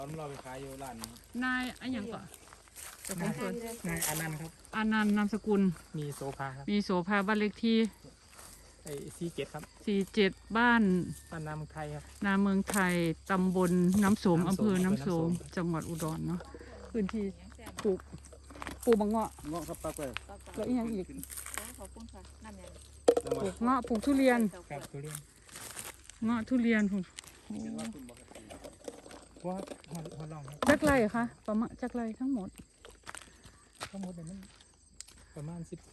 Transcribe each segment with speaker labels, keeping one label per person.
Speaker 1: เราไปขายอยู่ร้าน
Speaker 2: นายอะไรอย่างก่อนเจ้าของสวน
Speaker 1: นายอานันต์ครับ
Speaker 2: อานันต์นามสกุล
Speaker 1: มีโซฟาครับ
Speaker 2: มีโสภาบ้านเลขที่
Speaker 1: ไอ้47ครับ
Speaker 2: 47บ้าน
Speaker 1: บ้านนาเมืองไทยครับ
Speaker 2: นาเมืองไทยตำบลน้ำโสม
Speaker 1: น้ำโสม
Speaker 2: อำเภอน้ำโสม
Speaker 1: อำเภอน้ำโสม
Speaker 2: จังหวัดอุดรเนาะพื้นที่ปลูกมะเงาะ
Speaker 1: เงาะครับปลาเปิด
Speaker 2: แล้วอีกอย่างอีก
Speaker 3: ขอบคุณค่ะนั่นเนี่ย
Speaker 1: จังห
Speaker 2: ป
Speaker 1: วั
Speaker 2: ลู
Speaker 1: ด
Speaker 2: กเงาะปลูกทุเรียน
Speaker 1: ครับทุเรียน
Speaker 2: เงาะทุเรียนพุ่น
Speaker 1: ว่าฮอลองครับ
Speaker 2: จักไรคะประมาณจักไรทั้งหมด
Speaker 1: ทั้งหมดเนี่ยมันประมาณ10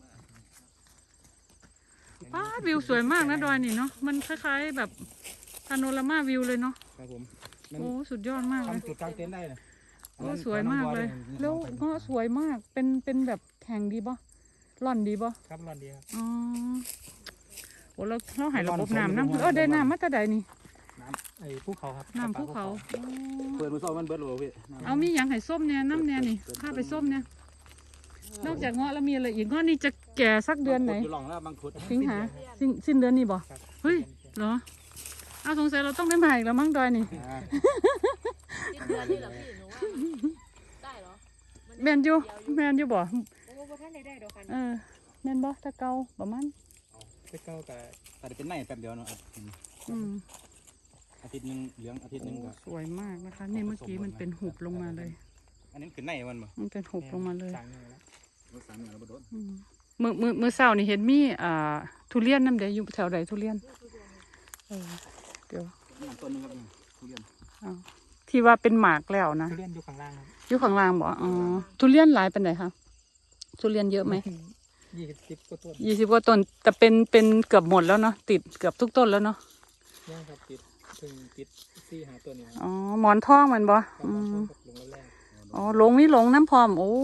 Speaker 2: ป้าดวิวสวยมากนะดอยนี่เนาะมันคล้ายๆแบบพาโนรามาวิวเลยเนาะ
Speaker 1: ครับผมมัน
Speaker 2: โอ้สุดยอดมากเลย
Speaker 1: ทำจุดกลางเต็นท์ได้เลย
Speaker 2: โอ้สวยมากเลย แล้วเงาะสวยมากเป็นแบบแข็งดีป่ะร่อนดีป่ะ
Speaker 1: ครับร้อนดีครับ
Speaker 2: อ๋อโอ้เราหายระบบน้ำได้น้ำมาแต่ใดนี่
Speaker 1: น้ำไอ้ภูเขาครับ
Speaker 2: น้ำภูเขา
Speaker 4: เปิดมือซ้อมมันเบิดหรือเปล่าพี่
Speaker 2: เอามีอย่างไห้ส้มเนี่ยน้ำเนี่ยนี่ข้าไปส้มเนี่ยนอกจากเงาะแล้วมีอะไรอีกเงาะนี่จะแก่สักเดือนไหน
Speaker 4: อยู่หลองแล้วบางขุด
Speaker 2: สิงหาสิ้นเดือนนี้บ่
Speaker 1: ครับ
Speaker 2: เฮ้ยเหรอเอาสงสัยเราต้องได้มาอีกแล้วมั้งดอยนี่
Speaker 3: สิ้นเดือนนี่เหรอพี่หนูว่าได้เหรอ
Speaker 2: แมนอยู่บ่
Speaker 3: โอ้โหท่านได้ดอกกัน
Speaker 2: แมนบ่ถ้าเก่าประมาณ
Speaker 1: ไปเก้าแต่
Speaker 4: แต่เป็นในแป๊บเดียวเนาะ
Speaker 2: อืม
Speaker 4: อาทิตย์นึงเหลืองอาทิตย์นึงก็
Speaker 2: สวยมากนะคะนี่เมื่อกี้มันเป็นหุบลงมาเลย
Speaker 4: อันนี้คือในมันบ่
Speaker 2: มันเป็นหุบลงมาเลย
Speaker 1: สั่งเลยแล้ว
Speaker 4: รถสามอย่างแล้วบ่โดน
Speaker 2: อืมมือเช้านี่เห็นมีทุเรียนน้ำเดียวอยู่แถวใดทุเรียนเดี๋ยว
Speaker 4: นี่ต้นนึงครับนี่ทุเรียน
Speaker 2: เอาที่ว่าเป็นหมากแล้วนะ
Speaker 1: ทุเรียนอยู่ข้างล่างครับ
Speaker 2: อยู่ข้างล่างบ่อ๋อทุเรียนหลายเป็นไหนคะทุเรียนเยอะไหม
Speaker 1: 20 กว่าต้น
Speaker 2: 20 กว่าต้นแต่เป็นเกือบหมดแล้วเนาะติดเกือบทุกต้นแล้วเนาะ
Speaker 1: ยังครับติด4-5ต้นนี่ครับ
Speaker 2: อ๋อหมอนทองมันบ่
Speaker 1: ประ
Speaker 2: อื
Speaker 1: มาณ
Speaker 2: ม
Speaker 1: กับลงแรก
Speaker 2: อ๋อหลงน้ำพร้อมโอ้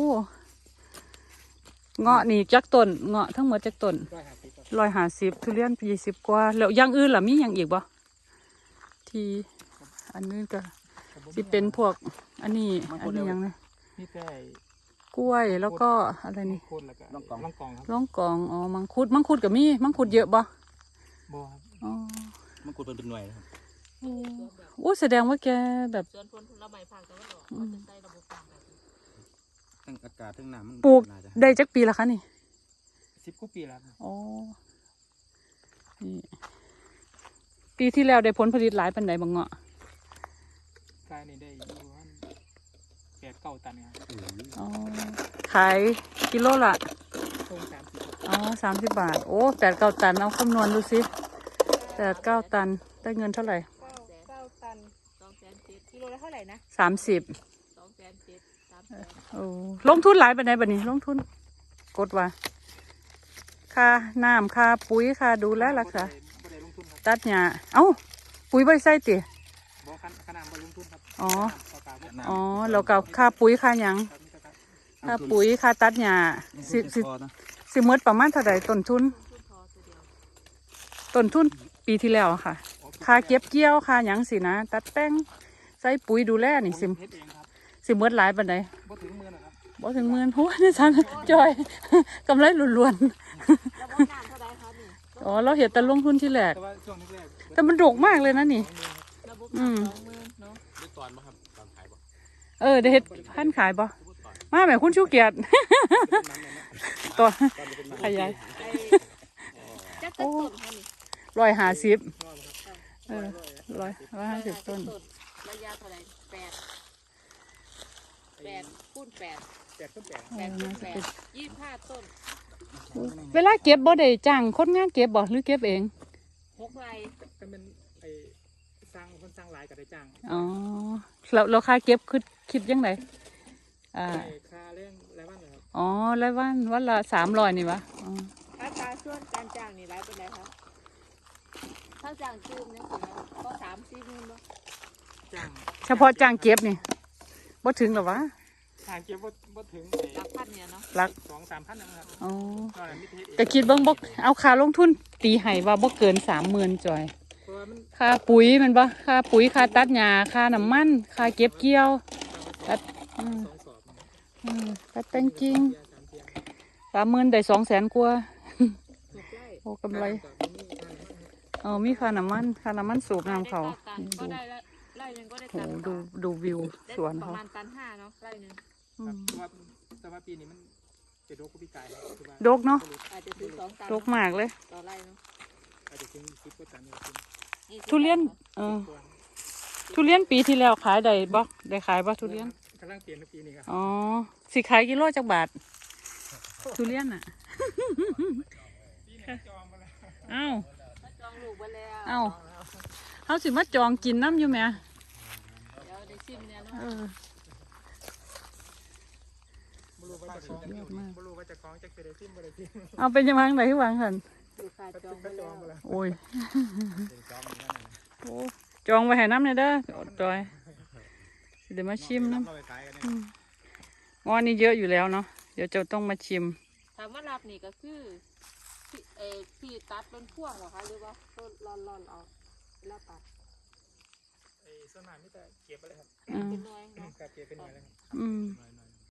Speaker 2: เงาะนี่จักต้นเงาะทั้งหมดจักต้น
Speaker 1: 150ครับ
Speaker 2: 150ทุเรียน20กว่าแล้วอย่างอื่นล่ะมีอย่างอีกบ่ที่อันนี้ก็สิเป็นพวกอันนี้หยังนะ
Speaker 1: นี่แต่
Speaker 2: กล้วยแล้วก็อะไรนี่
Speaker 1: โคนแล้วก็ล่องกองครับ
Speaker 2: ล่องกองอ๋อมังคุดก็มีมังคุดเยอะบ่
Speaker 1: บ่ครับ
Speaker 2: อ๋อ
Speaker 4: มันขุดเป็นหน่วยครับ
Speaker 2: โอ้แสดงว่าแกแบบ
Speaker 3: สวนผลละไม้ผักแต่ว่าเขาจะใส่ระบบต่างกัน
Speaker 4: ทั้งอากาศทั้งน้ำมัน
Speaker 2: ปลูก
Speaker 4: น่าจะ
Speaker 2: ได้จักปีละคะนี่
Speaker 1: 10 กว่าปีแล้วครับ
Speaker 2: อ๋อนี่ปีที่แล้วได้ผลผลิตหลายปานใดบ่เงาะ
Speaker 1: กายนี่ได้อยู่ประมาณ8-9 ตันครับ
Speaker 2: อ๋อขายกิโลละ
Speaker 1: ตรง30ครับ
Speaker 2: อ๋อ30 บาทโอ้8-9 ตันเอาคำนวณดูสิ8-9 ตันได้เงินเท่าไหร่
Speaker 3: 9 ตัน207,000กิโลละเท่าไหร่นะ
Speaker 2: 30
Speaker 3: 207,000 300,000
Speaker 2: โอ้ลงทุนหลายปานใดบัดนี้ลงทุนกดว่าค่าน้ำค่าปุ๋ยค่าดูแลรักษา
Speaker 1: บ่ได้ลงทุนครับ
Speaker 2: ตัดหญ้าเอ้าปุ๋ยบ่ได้ใส่ติ
Speaker 1: บ่ขนาดบ่ลงทุนครับ
Speaker 2: อ๋อ
Speaker 1: ต่อกาบ่
Speaker 2: อ๋อแล้วก็ค่าปุ๋ยค่าหยัง
Speaker 1: ครับนี่ก็ครับ
Speaker 2: ค่าปุ๋ยค่าตัดหญ้าสิ
Speaker 4: พอนะ
Speaker 2: สิหมดประมาณเท่าใดต้นทุน
Speaker 3: พอตัวเดียว
Speaker 2: ต้นทุนปีที่แล้วอะค่ะ ค่าเก็บเกี่ยวค่าหยังสินะ ตัดแป้งใส่ปุ๋ยดูแลนี่สิ
Speaker 1: ผมเฮ็ดเองครับ
Speaker 2: สิหมดหลายปานใด
Speaker 1: บ่ถึงมื้อนะครับ
Speaker 2: บ่ถึงหมื่นโหนี่ฉันจอย กำไรล้วน
Speaker 3: แล้วว่าน้ำเท่าไหร่คะนี่
Speaker 2: ๆอ๋อเราเห็นแต่ลงทุนที่แรก
Speaker 1: แต่ว่าช่วงแรก
Speaker 2: แต่มันดกมากเลยนะนี่
Speaker 3: ระบบ
Speaker 2: อืม
Speaker 3: 20,000เนาะ
Speaker 4: ได้ตอนบ่ครับตอนขายบ่
Speaker 2: ได้เฮ็ดพันขายบ่มาแม่คุณชูเกียรติ ตัวขยาย
Speaker 3: ไอ้จักรต้นค่ะนี่
Speaker 2: 150150ต้น
Speaker 3: ระยะเท่าไหร่8คูณ8
Speaker 1: 8ต้น8
Speaker 3: 8คูณ8 25 ต้น
Speaker 2: เวลาเก็บบ่ได้จ้างคนงานเก็บบ่หรือเก็บเอง
Speaker 3: 6 ไร่
Speaker 1: ก็เป็นไอ้สร้างคนสร้างหลายก็ได้จ้าง
Speaker 2: อ๋อแล้วค่าเก็บคิดยังไง
Speaker 1: ไอ้ค่าเรื่องรายวันเหรอครับ
Speaker 2: อ๋อแล้ววันละ300นี่วะอ๋อ
Speaker 3: อัตราส่วนการจ้างนี่หลายเป็นไรคะถ้าจ้างจืมเนี่ยสินะก็3-4 หมื่นบ่
Speaker 1: จ้าง
Speaker 2: เฉพาะจ้างเก็บนี่บ่ถึงหรอวะ
Speaker 1: ทางเก็บบ่ถึง
Speaker 3: หลักพันเนี่ยเนาะ
Speaker 2: หลัก
Speaker 1: 2-3 พันนะครับ
Speaker 2: อ๋อ
Speaker 1: ก็มิเทศเอง
Speaker 2: ก็คิดเบิ่งบ่เอาค่าลงทุนตีให้ว่าบ่เกิน 30,000จอย
Speaker 1: เพราะว่ามัน
Speaker 2: ค่าปุ๋ยแมันบ่ค่าปุ๋ยค่าตัดหญ้าค่าน้ำมันค่าเก็บเกี่ยวตัด
Speaker 1: 2 สอบ
Speaker 2: ตัดแต่งกิ่ง
Speaker 1: 3 เที่ย
Speaker 2: 30,000ได้200,000กว่า
Speaker 3: 6 ไร่
Speaker 2: โอ้กำไรมีค่าน้ำมันสูบน้ำเขา
Speaker 3: ก็ได้ละไร่หนึ่งก็ได้
Speaker 2: โห
Speaker 3: ตัน
Speaker 2: ดูวิว
Speaker 3: ได้
Speaker 2: สวน
Speaker 3: ประ
Speaker 2: เขา
Speaker 3: มาณตัน5เนาะไร่หนึ่ง
Speaker 2: อื
Speaker 1: ครับ
Speaker 2: ม
Speaker 1: เพราะว่าแต่ว่าปีนี้มันจะโดกกับปีกายครับคือว่า
Speaker 2: โดกเนาะ
Speaker 3: อาจจะถึง2 ตัน
Speaker 2: ดกมากเลย
Speaker 3: ต่อไร่เนาะ
Speaker 1: อาจจะถึง10กว่าตันเลยคุณ
Speaker 2: ทุเรียน
Speaker 1: ตัว
Speaker 2: ทุเรียนปีที่แล้วขายได้บ่ได้ขายบ่ทุเรียน
Speaker 1: กำลังเปลี่ยนในปีนี้ครับ
Speaker 2: อ๋อสิขายกิโลจักบาท ทุเรียนอ่ะ
Speaker 1: ปีนี้จองมาแล้ว
Speaker 2: เอ้า
Speaker 3: มาจองลูกไว้แล้ว
Speaker 2: เอ้าเฮาสิมาจองกินน้ำอยู่แหม
Speaker 3: เดี๋ยวได้ชิมเนี่ยเนาะ
Speaker 2: เออ
Speaker 1: บรูว่าจะคล้องบรูว่าจะคล้องจะเสด็จซิมบริซิม
Speaker 2: เอาเป็นยังไงไหนที่วางกัน
Speaker 3: ลูกค้าจองไว้
Speaker 1: จ
Speaker 3: แล้
Speaker 1: อง
Speaker 3: ว
Speaker 1: มาแล้ว
Speaker 2: โอ้ย
Speaker 4: เป็นจอมเหมือนกันนะ
Speaker 2: โอ้จองไว้ให้น้ำเลยเด้ออดจอยสิเดี๋ยวมาชิมน้
Speaker 4: เราไปขายกันเนี่ย
Speaker 2: ำอ๋อนี่เยอะอยู่แล้วเนาะเดี๋ยวจะต้องมาชิม
Speaker 3: ถามว่ารับนี่ก็คือพี่ตัดเป็นพ่วงเหรอคะหรือว่าต้นร่อนๆเอาเวลาตัด
Speaker 1: ไอ้สนามนี่แต่เก็บไปเลยครับ
Speaker 2: อืม
Speaker 3: เป็นหน่วยเนาะ
Speaker 1: เก็บเป็นหน่วยเลยครับ
Speaker 2: อืม
Speaker 4: หน่อย